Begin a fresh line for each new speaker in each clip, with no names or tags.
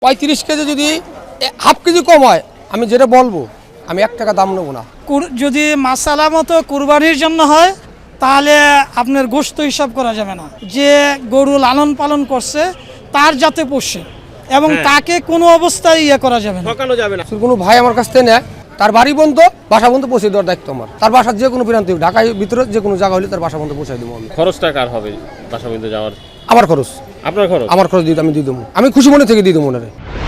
35 KG যদি half KG কম হয় আমি যেটা বলবো আমি 1 টাকা দাম নেবো না।
যদি মাসালা মতো কুরবানির জন্য হয় তাহলে আপনার গোশত হিসাব করা যাবে না। যে গরু লালন পালন করছে তার যাতে পোষে এবং তাকে কোনো অবস্থায় করা যাবে না,
ঠকানো যাবে না।
কোনো ভাই আমার কাছ থেকে নেয় তার বাড়ি বন্ধ বাসা বন্ধ পৌঁছে দেওয়ার দায়িত্ব আমার। তার বাসার যে কোনো প্রান্তে ঢাকায় ভিতরে যে কোনো জায়গা হলে তার বাসা বন্ধ পৌঁছাই দেবো আমি।
খরচটা কার হবে বাসা পর্যন্ত যাওয়ার?
আমার খরচ।
আপনার খরচ?
আমার খরচ দিয়ে আমি দিয়ে দেবো, আমি খুশি মনে থেকে দিয়ে দেবো ওনারে।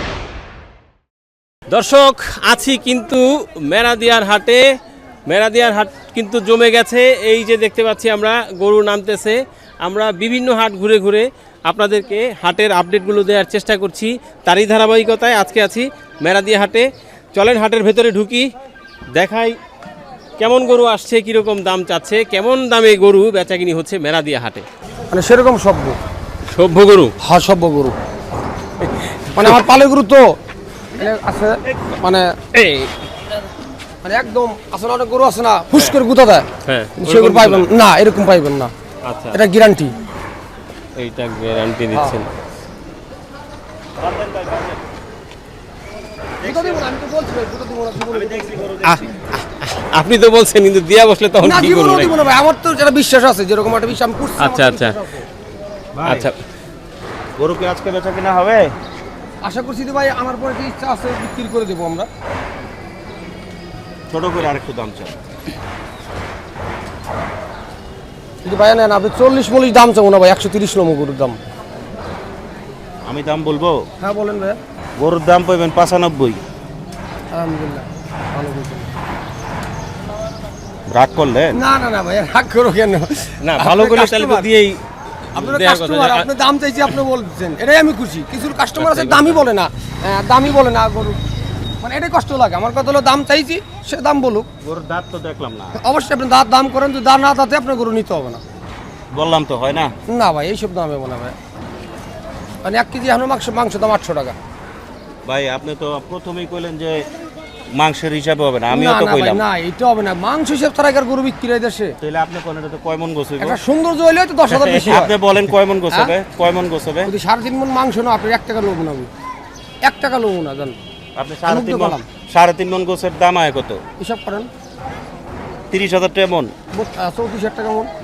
দর্শক আছি কিন্তু মেরাদিয়ার হাটে। মেরাদিয়ার হাট কিন্তু জমে গেছে। এই যে দেখতে পাচ্ছি আমরা গরু নামতেছে। আমরা বিভিন্ন হাট ঘুরে ঘুরে আপনাদেরকে হাটের আপডেটগুলো দেওয়ার চেষ্টা করছি। তারই ধারাবাহিকতায় আজকে আছি মেরাদিয়া হাটে। চলেন হাটের ভেতরে ঢুকি, দেখাই কেমন গরু আসছে, কীরকম দাম চাচ্ছে, কেমন দামে গরু বেচাকিনি হচ্ছে মেরাদিয়া হাটে।
মানে সেরকম সভ্য
সভ্য গরু?
হ্যাঁ সভ্য গরু, মানে আমার পালের গরু তো আছে, মানে মানে একদম আসলে অনেক গরু আছে না হুশ করে গুঁতা দেয়,
হ্যাঁ
সেগুলো পাইবেন না, এরকম পাইবেন না।
আচ্ছা,
এটা গ্যারান্টি।
এইটা গ্যারান্টি দিচ্ছেন? আপনি তো বলছেন কিন্তু দিয়া বসলে তখন কি করব?
আমার তো যেটা বিশ্বাস আছে, যেরকম একটা বিশ্বাস আমি করছি।
আচ্ছা আচ্ছা আচ্ছা,
গরু কি আজকে বেচা কিনা হবে?
আশা করছি যে ভাই আমার পরে যে ইচ্ছা আছে বিক্রি করে দেবো আমরা।
ছোট করে আরেকটু দাম চাই।
যদি ভাই নেন আপনি 40-40 দাম চাবো না ভাই, 130 নম্বর গরুর দাম।
আমি দাম বলবো?
হ্যাঁ বলেন ভাই।
গরুর দাম পাইবেন 95।
আলহামদুলিল্লাহ ভালো বলছেন।
রাগ করলেন?
না না না ভাই রাগ করো কেন?
না ভালো করে তাহলে তো দিয়েই
আপনারা
দেওয়ার কথা।
কাস্টমার, আপনি দাম চাইছি আপনি বলছেন, এটাই আমি খুশি। কিছু কাস্টমার আছে দামই বলে না, দামই বলে না গরু, মানে এটাই কষ্ট লাগে। আমার কথা হলো দাম চাইছি, সে দাম বলুক।
গরুর দাঁত তো দেখলাম না।
অবশ্যই আপনি দাম করেন, যদি দাম না তাতে আপনার গরু নিতে হবে না।
বললাম তো হয় না।
না ভাই এইসব দামে মনে হয়, মানে 1 কেজি এখন মাংস দাম 800 টাকা।
ভাই আপনি তো প্রথমেই কইলেন যে মাংসের হিসাবে হবে না, আমিও তো
না
কইলাম
ভাই, না এটা হবে না, মাংস হিসেব ছাড়া আর গরু বিক্রি হয় দেশে।
তাহলে আপনি কোন এটা তো কয় মন গোছ হইব?
একটা সৌন্দর্য হইলে তো 10,000 বেশি হয়।
আপনি বলেন কয় মন গোছ হবে? কয় মন গোছ হবে?
যদি 3.5 মণ মাংস না আপনি 1 টাকা লোব না, 1 টাকা লোব না জান।
আপনি 3.5 মন গোছের দাম আয় কত?
হিসাব করেন
30,000 টাকা মন।
34,000 টাকা মণ।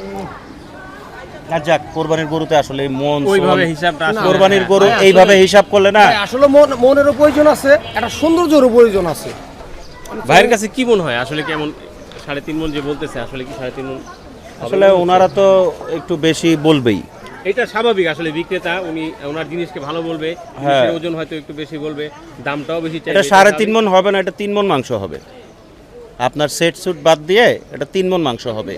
না যাক, কোরবানির গরুতে আসলে মন
ওইভাবে হিসাবটা আসলে
কোরবানির গরু এইভাবে হিসাব করলে না।
আসলে মনেরও প্রয়োজন আছে, একটা সৌন্দর্যেরও প্রয়োজন আছে।
ভাইয়ের কাছে কি মনে হয় আসলে কেমন 3.5 মণ যে বলতেছে, আসলে কি 3.5 মণ?
আসলে ওনারা তো একটু বেশি বলবেই।
এটা স্বাভাবিক, আসলে বিক্রেতা উনি ওনার জিনিসকে ভালো বলবে, জিনিসের ওজন হয়তো একটু বেশি বলবে, দামটাও বেশি চাইবে।
এটা 3.5 মণ হবে না, এটা 3 মণ মাংস হবে। আপনার সেট সুট বাদ দিয়ে এটা 3 মণ মাংস হবে।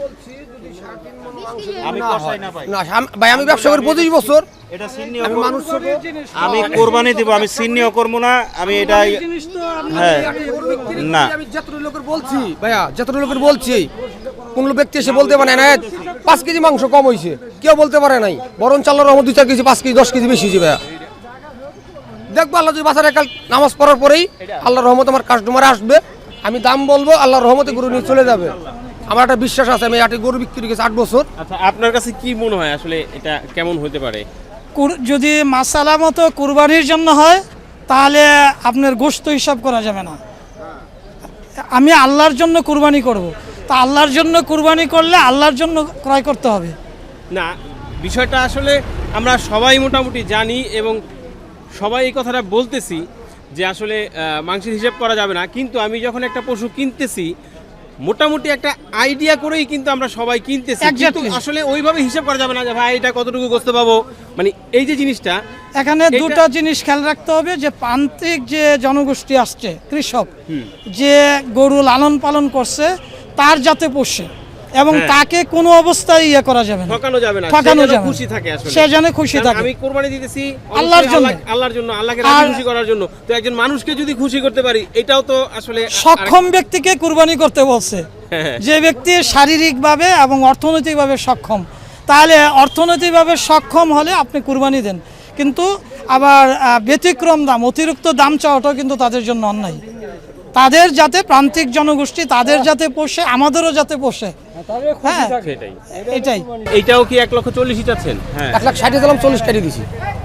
আমি কষাই না ভাই।
না ভাই আমি ব্যবসা করি 25 বছর,
এটা সিন্নি
আমি মানুষ
আমি কোরবানি দিব, আমি সিন্নিও করব না, আমি এটাই। হ্যাঁ না,
আমি যতটা লোকের বলছি ভাইয়া, যতটা লোকের বলছি, কোন ব্যক্তি এসে বলতে পারে না 5 কেজি মাংস কম হয়েছে, কেউ বলতে পারে নাই। বরং চাল্লার রহমত 2-4 কেজি 5 কেজি 10 কেজি বেশি হয়েছে ভাইয়া। দেখবো আল্লাহ যদি বাজারে কাল নামাজ পড়ার পরেই আল্লাহর রহমত আমার কাস্টমার আসবে, আমি দাম বলবো, আল্লাহর রহমতে গরু নিয়ে চলে যাবে। আমার একটা বিশ্বাস আছে, আমি আটে গরু বিক্রি করেছি 8 বছর।
আচ্ছা, আপনার কাছে কি মনে হয় আসলে এটা কেমন হতে পারে?
যদি মাসালা মতো কুরবানির জন্য হয় তাহলে আপনার গোশত হিসাব করা যাবে না। আমি আল্লাহর জন্য কুরবানি করব, তা আল্লাহর জন্য কুরবানি করলে আল্লাহর জন্য ক্রয় করতে হবে।
না, বিষয়টা আসলে আমরা সবাই মোটামুটি জানি এবং সবাই এই কথাটা বলতেছি যে আসলে মাংসের হিসাব করা যাবে না, কিন্তু আমি যখন একটা পশু কিনতেছি মোটামুটি একটা আইডিয়া করেই কিন্তু আমরা সবাই কিনতেছি, কিন্তু আসলে ওইভাবে হিসাব করা যাবে না যে ভাই এটা কতটুকু গোশত পাবো। মানে এই যে জিনিসটা,
এখানে দুটো জিনিস খেয়াল রাখতে হবে, যে প্রান্তিক যে জনগোষ্ঠী আসছে, কৃষক যে গরু লালন পালন করছে তার যাতে পোষে এবং তাকে কোনো অবস্থায় করা যাবে না,
ঠকানো যাবে না,
ঠকানো যাবে
খুশি থাকে, আসলে
সে যেন খুশি থাকে।
আমি কোরবানি দিতেছি
আল্লাহর জন্য,
আল্লাহর জন্য, আল্লাহকে রাজি খুশি করার জন্য। তো একজন মানুষকে যদি খুশি করতে পারি, এটাও তো আসলে
সক্ষম ব্যক্তিকে কুরবানি করতে বলছে। যে ব্যক্তি শারীরিকভাবে এবং অর্থনৈতিকভাবে সক্ষম, তাহলে অর্থনৈতিকভাবে সক্ষম হলে আপনি কুরবানি দেন, কিন্তু আবার ব্যতিক্রম দাম, অতিরিক্ত দাম চাওয়াটাও কিন্তু তাদের জন্য অন্যায়। তাদের যাতে প্রান্তিক জনগোষ্ঠী তাদের যাতে পোষে, আমাদেরও যাতে পোষে, হ্যাঁ এটাই।
এইটাও কি 1,40,000 চাচ্ছেন?
হ্যাঁ
1,60,000 দিলাম, 40 কেটে দিছি।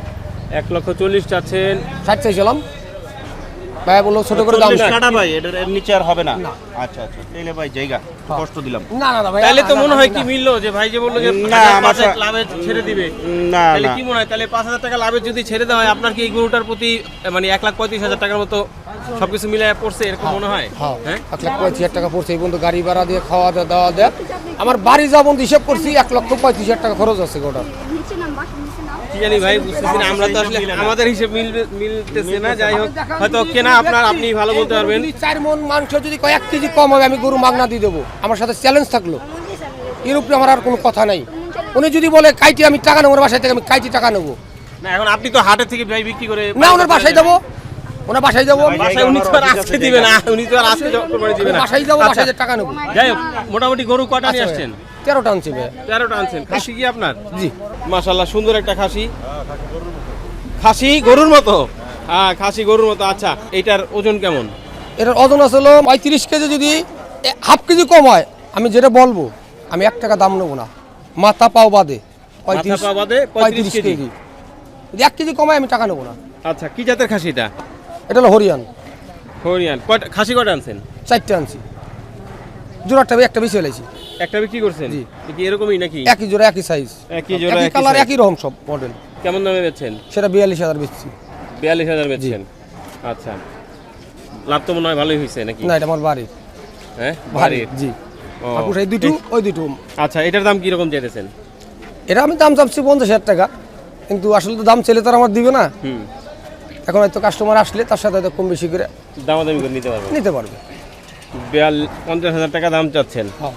1,40,000 চাচ্ছেন।
60 চাইছিলাম, ভাই বললো ছোট করে দাম।
40 কাটা ভাই, এটার নিচে আর হবে না। আচ্ছা আচ্ছা, তাহলে ভাই জায়গা কষ্ট দিলাম।
না না না ভাই,
তাহলে তো মনে হয় কি মিললো যে ভাই যে বললো যে
না,
5,000
আমার
লাভে ছেড়ে দিবে,
না
তাহলে
না
কি মনে হয় তাহলে 5,000 টাকা লাভে যদি ছেড়ে দেওয়া হয় আপনার কি এই গরুটার প্রতি মানে 1,35,000 টাকার মতো সবকিছু মিলায় পড়ছে এরকম মনে হয়?
হ্যাঁ
হ্যাঁ
1,35,000 টাকা পড়ছে এই পর্যন্ত, গাড়ি ভাড়া দিয়ে খাওয়া দাওয়া দেয়। আমার বাড়ি যা বন্ধু হিসাব করছি 1,35,000 টাকা খরচ আছে গোটা।
কি জানি ভাই, বুঝতেছি না, আমরা তো আসলে আমাদের হিসেব মিলতেছে না। যাই হোক, হয়তো কেনা আপনি ভালো বলতে পারবেন।
যদি 4 মণ মাংস যদি কয়েক কেজি কম হবে আমি গরু মাগনা দিয়ে দেবো, আমার সাথে চ্যালেঞ্জ থাকলো। এর উপরে আমার আর কোনো কথা নাই। উনি যদি বলে কাইটি আমি টাকা নেবো, ওর বাসায় থেকে আমি কাইটি টাকা নেবো
না এখন আপনি তো হাটের থেকে ভাই বিক্রি করে
না, ওনার বাসায় যাবো, ওনার বাসায় যাবো,
বাসায় উনি তো আর আজকে দিবে না, উনি তো আর আজকে কোরবানি দিবে না।
বাসায় যাবো,
আচ্ছা,
বাসায় যেয়ে টাকা নেবো।
যাই হোক, মোটামুটি গরু কটা নিয়ে আসছেন?
13টা আনছি ভাই।
13টা আনছেন। খাসি কি আপনার?
জি।
মাশাআল্লাহ, সুন্দর একটা খাসি। খাসি গরুর মতো? হ্যাঁ, খাসি গরুর মতো। আচ্ছা, এইটার ওজন কেমন?
এটার ওজন আসলে 35 কেজি, যদি হাফ কেজি কম হয় আমি যেটা বলবো, আমি 1 টাকা দাম নেবো না, মাথা পাও বাদে।
মাথা পা বাদে 35 কেজি।
যদি 1 কেজি কমায় আমি টাকা নেবো না।
আচ্ছা, কি জাতের খাসি এটা?
এটা হলো হরিয়ান।
হরিয়ান। কয়টা খাসি কয়টা আনছেন?
4টে আনছি, জোড়াটা একটা বেশি হয়েছি।
একটা বিক্রি করছেন?
জি।
কি এরকমই নাকি?
একই জোড়া একই সাইজ,
একই জোড়া
একই
একই
কালার
size।
একই রকম সব মডেল।
কেমন দামে বেচছেন?
সেটা 42,000 বেচছি।
42,000 বেচছেন। আচ্ছা, লাভ তো মনে হয় ভালোই হয়েছে নাকি?
না, এটা আমার বাড়ির।
হ্যাঁ,
বাড়ির, জি।
ও।
আর এই দুটো, ওই দুটো।
আচ্ছা, এটার দাম কি রকম চাইতেছেন?
এটা আমি দাম চাচ্ছি 50,000 টাকা, কিন্তু আসলে তো দাম ছেলে তো আর আমার দিবে না।
হুম,
এখন হয়তো কাস্টমার আসলে তার সাথে হয়তো কম বেশি করে
দামাদামি করে নিতে পারবেন।
নিতে পারবে।
50,000 টাকা দাম চাচ্ছেন।
হ্যাঁ।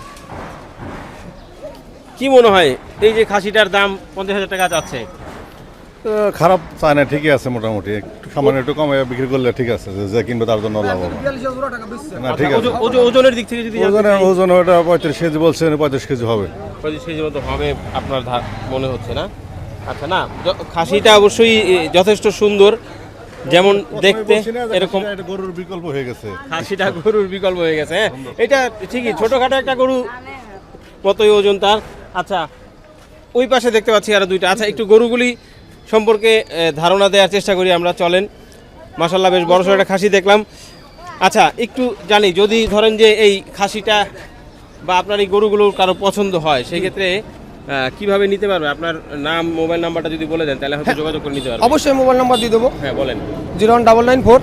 কি মনে হয় এই যে খাসিটার দাম 50,000 টাকা চাচ্ছে?
খারাপ চায় না, ঠিকই আছে মোটামুটি। একটু সামান্য একটু কমে বিক্রি করলে ঠিক আছে, যে কিনবে তার জন্য লাভ হবে। না ঠিক আছে,
ওজনের দিক থেকে যদি
ওজন ওটা 35 কেজি বলছেন, 35 কেজি হবে।
25 কেজির মতো হবে আপনার মনে হচ্ছে না? আচ্ছা, না খাসিটা অবশ্যই যথেষ্ট সুন্দর, যেমন দেখতে এরকম।
এটা গরুর বিকল্প হয়ে গেছে।
খাসিটা গরুর বিকল্প হয়ে গেছে। হ্যাঁ, এটা ঠিকই, ছোটখাটো একটা গরু কতই ওজন তার। আচ্ছা, ওই পাশে দেখতে পাচ্ছি আরো দুইটা। আচ্ছা, একটু গরুগুলি সম্পর্কে ধারণা দেওয়ার চেষ্টা করি আমরা, চলেন। মাশাআল্লাহ, বেশ বড়সড় একটা খাসি দেখলাম। আচ্ছা, একটু জানি, যদি ধরেন যে এই খাসিটা বা আপনার এই গরুগুলো কারো পছন্দ হয়, সেই ক্ষেত্রে কিভাবে নিতে পারবে? আপনার নাম, মোবাইল নাম্বারটা যদি বলে দেন তাহলে হয়তো যোগাযোগ করে নিতে পারবে।
অবশ্যই মোবাইল নাম্বার দিয়ে দেবো,
হ্যাঁ বলেন।
01994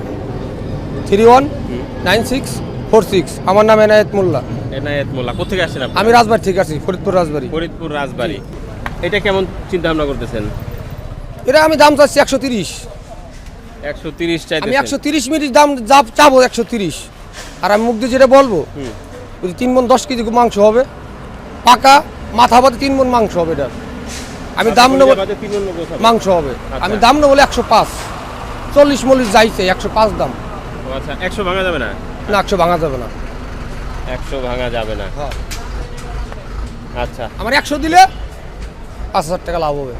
319646। আমার নাম এনায়েত মোল্লা।
এনায়েত মোল্লা। কোথেকে আসছেন আপনি?
আমি রাজবাড়ি থেকে আসছি, ফরিদপুর রাজবাড়ি।
ফরিদপুর রাজবাড়ি। এটা কেমন চিন্তা ভাবনা করতেছেন?
এটা আমি দাম চাচ্ছি 130।
130
আমি
চাইতেছেন?
130 মিনিট দাম চাবো 130। আর আমি মুখ দিয়ে যেটা বলবো, যদি 3 মণ 10 কেজি মাংস হবে, পাকা মাথা বাদে 3 মণ মাংস হবে। এটা আমি দাম নেবো, মাংস হবে। আমি দাম নেবো 105। 40 যাইছে, 105 দাম।
আচ্ছা, 100 ভাঙা যাবে না?
না, 100 ভাঙা যাবে না।
100 ভাঙা যাবে না।
হ্যাঁ।
আচ্ছা,
আমার 100 দিলে 5,000 টাকা লাভ হবে।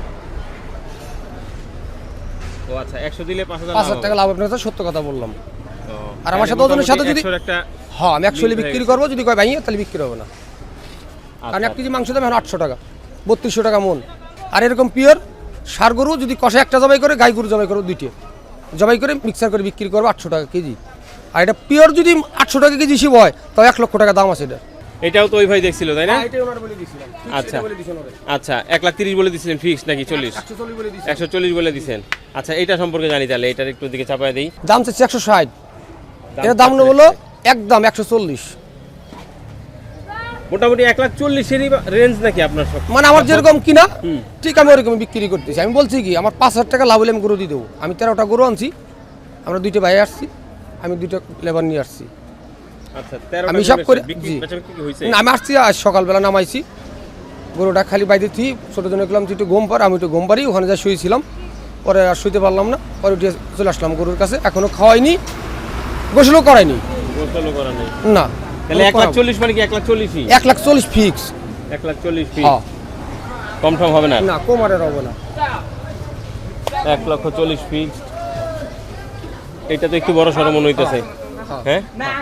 ও আচ্ছা, 100 দিলে 5,000
5,000 টাকা লাভ হবে, আপনার সত্য কথা বললাম।
ও,
আর আমার সাথে ওজনের সাথে যদি
100 একটা
হ্যাঁ, আমি 100 বিক্রি করবো, যদি কয় ভাইয়া তাহলে বিক্রি হবে না। কারণ
আচ্ছা,
1 কেজি মাংস দাম এখন 800 টাকা, 3200 টাকা মন। আর এরকম পিওর সার গরু যদি কষে একটা জবাই করে, গাই গরু জবাই করে 2টে জবাই করে মিক্সার করে বিক্রি করবো 800 টাকা কেজি। আর এটা পিওর যদি 800 টাকা কেজি হিসেবে হয়, তাও 1 লক্ষ টাকা দাম আছে এটা।
এটাও তো ওই ভাই দেখছিল তাই না?
আচ্ছা,
আচ্ছা, 1,30,000 বলে দিছিলেন ফিক্স নাকি 40? 140 বলে দিছেন। আচ্ছা, এটা সম্পর্কে জানি তাহলে, এটার একটু দিকে চাপায় দেই।
দাম চাচ্ছে 160। এটা দাম নেবো হলো একদম 140।
মোটামুটি 1,40,000-এরই রেঞ্জ নাকি আপনার সব?
মানে আমার যেরকম কিনা ঠিক আমি ওরকম বিক্রি করতেছি। আমি বলছি কি, আমার 5,000 টাকা লাভ হলে আমি গরু দিয়ে দেবো। আমি 13টা গরু আনছি, আমরা 2টে ভাই আসছি, আমি 2টা লেবার নিয়ে আসছি।
আচ্ছা, 13টা
আমি হিসাব করে জি।
কি হইছে?
না, আমি আসছি আজ সকালবেলা নামাইছি গরুটা, খালি বাইরে থি ছোটো জন্য গেলাম, তুই একটু ঘুম পার, আমি একটু ঘুম পারি, ওখানে যা শুয়েছিলাম, পরে আর শুইতে পারলাম না, পরে উঠে চলে আসলাম গরুর কাছে। এখনো খাওয়াইনি, গোসলও করাইনি।
গোসলও করা নেই
না,
তাহলে 1,40,000 মানে কি 1,40,000?
1,40,000 ফিক্স।
1,40,000 ফিক্স,
হ্যাঁ,
কম টম হবে না?
না, কোমারের হবে না।
1,40,000 ফিক্স। এটা তো একটু বড় সড়ো মনে হইতেছে। হ্যাঁ,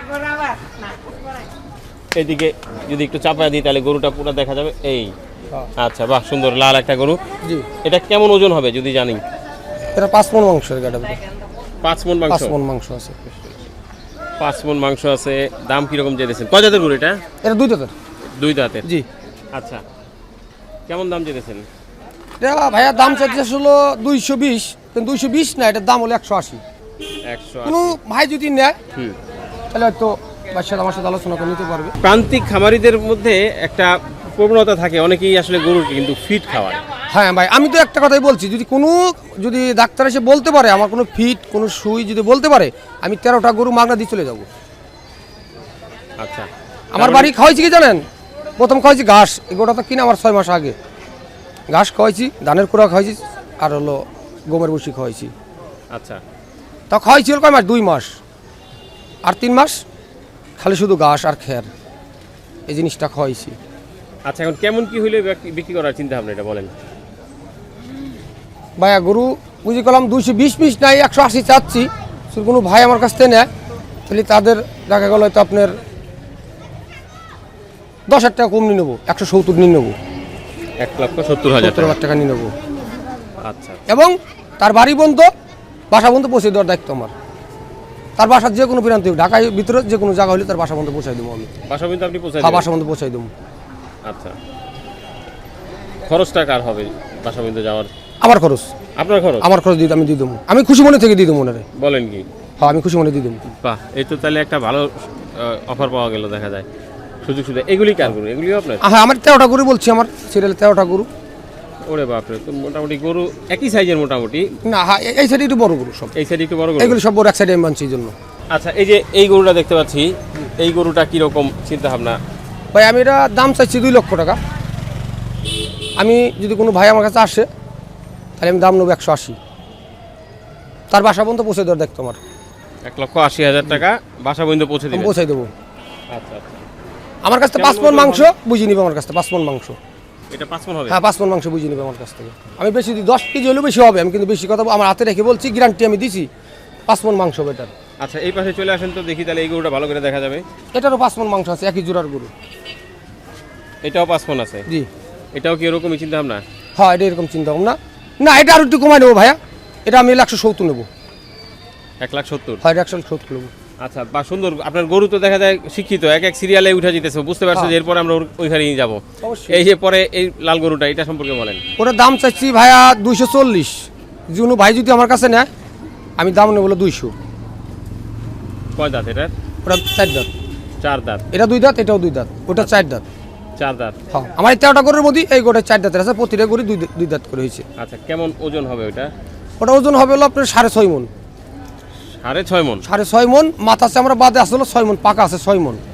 এইদিকে যদি একটু চাপায় দিই তাহলে গরুটা পুরো দেখা যাবে। এই
হ্যাঁ।
আচ্ছা, বাহ, সুন্দর লাল একটা গরু।
জি।
এটা কেমন ওজন হবে যদি জানি?
এটা 5 মণ মাংসের গাড়ি,
5 মণ মাংস,
5 মণ মাংস আছে।
5 মণ মাংস আছে। দাম কিরকম চেয়েছেন? কয় জাতের গরু এটা?
এটা 2 দাঁতের।
2 দাঁতের।
জি।
আচ্ছা, কেমন দাম চেয়েছেন?
এটা ভাইয়া দাম চাইছে হলো 220, কিন্তু 220 না, এটার দাম হলো 180।
180।
কোনো ভাই যদি নেয়
হুম।
তাহলে হয়তো বাসার আমার সাথে আলোচনা করে নিতে পারবে।
প্রান্তিক খামারিদের মধ্যে একটা প্রবণতা থাকে, অনেকেই আসলে গরুকে কিন্তু ফিট খাওয়ায়।
হ্যাঁ ভাই, আমি তো একটা কথাই বলছি, যদি ডাক্তার এসে বলতে পারে আমার কোনো ফিট কোনো সুই যদি বলতে পারে, আমি 13টা গরু মাগনা দিয়ে চলে যাব।
আচ্ছা,
আমার বাড়ি খাওয়াইছি কি জানেন? প্রথম খাওয়াইছি ঘাস, এই গরুটা তো কিনে আমার 6 মাস আগে ঘাস খাওয়াইছি, ধানের কুড়া খাওয়াইছি, আর হলো গমের বসি খাওয়াইছি।
আচ্ছা,
তা খাওয়াইছি হলো কয় মাস? 2 মাস, আর 3 মাস খালি শুধু ঘাস আর খের, এই জিনিসটা খাওয়াইছি।
আচ্ছা, এখন কেমন কি হইলে বিক্রি করার চিন্তা ভাবনা এটা বলেন?
ভাইয়া গরু বুঝি করলাম 220 পিস নাই 180 চাচ্ছি। শুধু কোনো ভাই আমার কাছ থেকে নেয় তাহলে তাদের দেখা গেল হয়তো আপনার 10,000 টাকা কম নিয়ে নেবো, 170 নিয়ে নেবো,
1,70,000 টাকা।
70,000 টাকা নিয়ে নেবো।
আচ্ছা,
এবং তার বাড়ি বন্ধ, বাসা বন্ধ পৌঁছে দেওয়ার দায়িত্ব আমার। তার বাসার যে কোনো প্রান্তে, ঢাকায় ভিতরে যে কোনো জায়গা হলে তার বাসা বন্ধ পৌঁছাই দেবো আমি।
বাসা পর্যন্ত আপনি পৌঁছায়
হ্যাঁ,
দিবেন?
বাসা বন্ধ পৌঁছাই দেবো।
আচ্ছা, খরচটা কার হবে বাসা পর্যন্ত যাওয়ার?
আমার খরচ,
আপনার খরচ?
আমার খরচ দিয়ে আমি দিয়ে দেবো, আমি খুশি মনে থেকে দিয়ে দেবো মনে রে।
বলেন কি?
হ্যাঁ, আমি খুশি মনে দিয়ে দেবো।
বাহ, এই তো তাহলে একটা ভালো অফার পাওয়া গেল, দেখা যায় সুযোগ সুবিধা। এগুলি কার গরু? এগুলিও আপনার?
হ্যাঁ, আমার 13টা গরু বলছি, আমার সিরিয়ালে 13টা গরু।
ওরে বাপরে, তো মোটামুটি গরু একই সাইজের মোটামুটি।
না, হ্যাঁ, এই সাইডে একটু বড় গরু সব,
এই সাইডে একটু বড় গরু।
এগুলো সব বড় এক সাইডে আমি বানছি এই জন্য।
আচ্ছা, এই যে এই গরুটা দেখতে পাচ্ছি, এই গরুটা কিরকম চিন্তা ভাবনা?
ভাই আমি এটা দাম চাইছি 2 লক্ষ টাকা। আমি যদি কোনো ভাই আমার কাছে আসে তাহলে আমি দাম নেবো 180, তার বাসা পর্যন্ত পৌঁছে দেওয়ার দায়িত্ব আমার।
1,80,000 টাকা বাসা পর্যন্ত পৌঁছে
আমি
দিবেন?
পৌঁছাই দেবো।
আচ্ছা আচ্ছা,
আমার কাছ থেকে 5 মণ মাংস বুঝিয়ে নিবে, আমার কাছ থেকে 5 মণ মাংস।
এটা 5 মণ হবে?
হ্যাঁ, 5 মণ মাংস বুঝিয়ে নিবে আমার কাছ থেকে। আমি বেশি দিই, 10 কেজি হলেও বেশি হবে, আমি কিন্তু বেশি কথা আমার হাতে রেখে বলছি, গ্যারান্টি আমি দিছি 5 মণ মাংস হবে এটার।
আচ্ছা, এই পাশে চলে আসেন তো দেখি, তাহলে এই গরুটা ভালো করে দেখা যাবে।
এটারও 5 মণ মাংস আছে, একই জোড়ার গরু।
এটাও 5 মণ আছে?
জি।
এটাও কি এরকমই চিন্তা ভাবনা?
হ্যাঁ, এটা এরকম চিন্তা ভাবনা না, এটা আর একটু কমাই নেবো ভাইয়া, এটা আমি 170 নেবো।
1,70,000?
হয় 170 নেবো।
আচ্ছা, বা সুন্দর। আপনার গরু তো দেখা যায় শিক্ষিত, এক এক সিরিয়ালে উঠে যেতেছে, বুঝতে পারছো যে এরপরে আমরা ওইখানে নিয়ে যাবো।
অবশ্যই।
এই যে পরে এই লাল গরুটা, এটা সম্পর্কে বলেন।
ওটার দাম চাচ্ছি ভাইয়া 240। কোনো ভাই যদি আমার কাছে নেয় আমি দাম নেবো 200।
কয় দাঁত এটার?
ওটা 4 দাঁত।
4 দাঁত।
এটা 2 দাঁত, এটাও 2 দাঁত, ওটা 4 দাঁত।
4 দাঁত।
হ্যাঁ, আমার এই 13টা গরুর মধ্যে এই গোটা 4 দাঁতের আছে, প্রতিটা গরু 2 দাঁত করে হয়েছে।
আচ্ছা, কেমন ওজন হবে ওটা?
ওটা ওজন হবে হলো আপনার 6.5 মণ।
6.5 মণ?
6.5 মণ। মাথা চামড়া বাদে আসলে 6 মণ, পাকা আছে 6 মণ।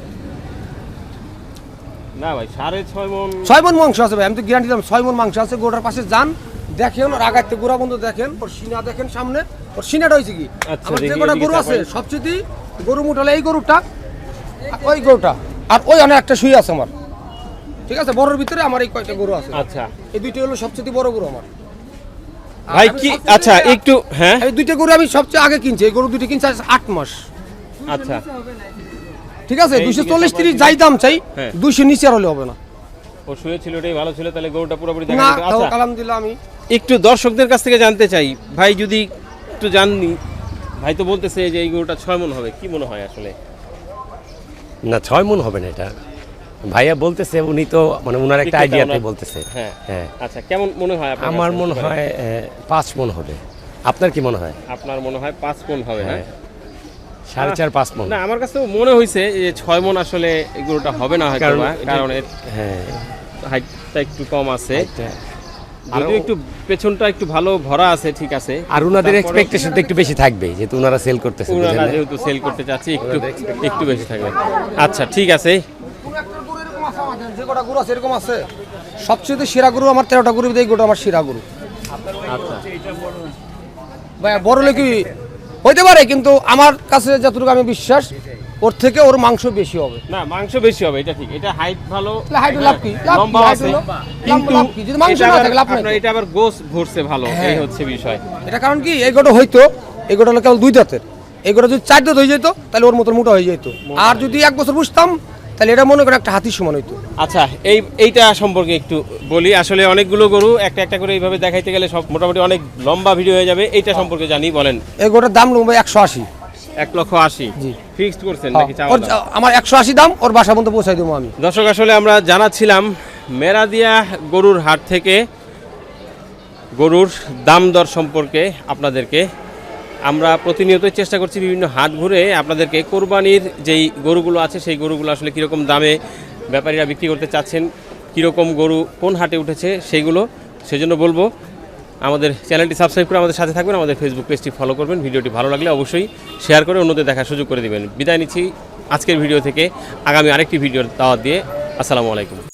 না ভাই, 6.5 মণ?
6 মণ মাংস আছে ভাই, আমি তো গ্যারান্টি দিলাম 6 মণ মাংস আছে। গোটার পাশে যান, দেখেন ওর আগাতে গোড়া বন্ধ দেখেন, ওর সিনা দেখেন সামনে, ওর সিনাটা হয়েছে কি
আচ্ছা,
আমার যে
দেখি,
গোটা
এদিকে
গরু আছে
তাকান।
সবচেয়ে গরু মুঠালে এই গরুটা, আর ওই গরুটা, আর ওই অনেক একটা শুয়ে আছে আমার। ঠিক আছে, বড়র ভিতরে আমার এই কয়টা গরু আছে,
আচ্ছা
এই দুইটা হলো সবচেয়ে বড় গরু আমার। আর
ভাই,
আমি
কি
সবচেয়ে
আচ্ছা একটু, হ্যাঁ
এই দুইটা গরু আমি সবচেয়ে আগে কিনছি, এই গরু দুইটা কিনছি 8 মাস।
আচ্ছা,
ঠিক আছে,
এই
240-30 যাই দাম চাই,
হ্যাঁ।
200 নিচে আর হলে হবে না।
ও শুয়ে ছিল, ওটাই ভালো ছিল, তাহলে গরুটা পুরোপুরি দেখা
না,
যেত।
তাও
আচ্ছা,
আলহামদুলিল্লাহ আমি
একটু দর্শকদের কাছ থেকে জানতে চাই ভাই, যদি একটু জাননি, ভাই তো বলতেছে যে এই গরুটা 6 মণ হবে, কি মনে হয় আসলে?
না, 6 মণ হবে না এটা। ভাইয়া বলতেছে, উনি তো মানে উনার একটা
বিক্রেতা
আইডিয়াতে
ওনার-
বলতেছে।
হ্যাঁ
হ্যাঁ,
আচ্ছা, কেমন মনে হয় আপনার
আমার
কাছে?
মনে হয় 5 মণ হবে। আপনার কি মনে হয়?
আপনার মনে হয় 5 মণ হবে? হ্যাঁ,
4.5-5 মণ।
না, আমার কাছে মনে হয়েছে যে 6 মণ আসলে এই গরুটা হবে না হয়তো,
কারণ
কারণ এর
হ্যাঁ,
হাইটটা একটু কম আছে,
এটা-
যদিও একটু পেছনটা একটু ভালো ভরা আছে, ঠিক আছে।
আর উনাদের
তারপরেও-
এক্সপেকটেশন তো একটু বেশি থাকবে, যেহেতু উনারা সেল করতেছে।
ওনারা
বুঝলেন না?
যেহেতু সেল করতে চাচ্ছি, একটু বেশি থাকবে। আচ্ছা, ঠিক আছে।
যে কটা গরু আছে এরকম আছে, সবচেয়ে সেরা গরু আমার 13টা গরু, এই গরুটা আমার সেরা গরু।
আচ্ছা,
ভাই বড় লোক হইতে পারে, কিন্তু আমার কাছে যতটুকু আমি বিশ্বাস, ওর থেকে ওর মাংস বেশি হবে।
না, মাংস বেশি হবে, এটা ঠিক। এটা হাইট ভালো,
তাহলে height লাভ কি? লাভ কি?
লম্বা
height
আছে,
হলো-
কিন্তু
লাভ কি? যদি মাংস
এটা
না
আবার-
থাকে লাভ নাই
আপনার
তো।
এটা আবার গোস ভরছে ভালো,
হ্যাঁ।
এই হচ্ছে বিষয়।
এটা কারণ কি, এই গোটা হইতো, এই গোটা হলো কেবল 2 দাঁতের, এই গোটা যদি 4 দাঁত হয়ে যেত তাহলে ওর মতো মোটা হয়ে যেত। আর যদি 1 বছর বুঝতাম তাহলে এটা মনে করেন একটা হাতির সমান হইতো।
আচ্ছা, এইটা সম্পর্কে একটু বলি। আসলে অনেকগুলো গরু একটা একটা করে এইভাবে দেখাইতে গেলে সব মোটামুটি অনেক লম্বা ভিডিও হয়ে যাবে। এইটা সম্পর্কে জানি, বলেন।
এই গরুটার দাম নেবো 180।
1,80,000
জি।
ফিক্সড করছেন নাকি চাওয়া
ওর
দাম?
আমার 180 দাম, ওর বাসা পর্যন্ত পৌঁছাই দেবো আমি।
দর্শক, আসলে আমরা জানাচ্ছিলাম মেরাদিয়া গরুর হাট থেকে গরুর দাম দর সম্পর্কে আপনাদেরকে। আমরা প্রতিনিয়তই চেষ্টা করছি বিভিন্ন হাট ঘুরে আপনাদেরকে কোরবানির যেই গরুগুলো আছে সেই গরুগুলো আসলে কীরকম দামে ব্যাপারীরা বিক্রি করতে চাচ্ছেন, কীরকম গরু কোন হাটে উঠেছে সেইগুলো। সেজন্য বলবো আমাদের চ্যানেলটি সাবস্ক্রাইব করে আমাদের সাথে থাকবেন, আমাদের ফেসবুক পেজটি ফলো করবেন, ভিডিওটি ভালো লাগলে অবশ্যই শেয়ার করে অন্যদের দেখার সুযোগ করে দেবেন। বিদায় নিচ্ছি আজকের ভিডিও থেকে। আগামী আরেকটি ভিডিওর দাওয়াত দিয়ে। আসসালামু আলাইকুম।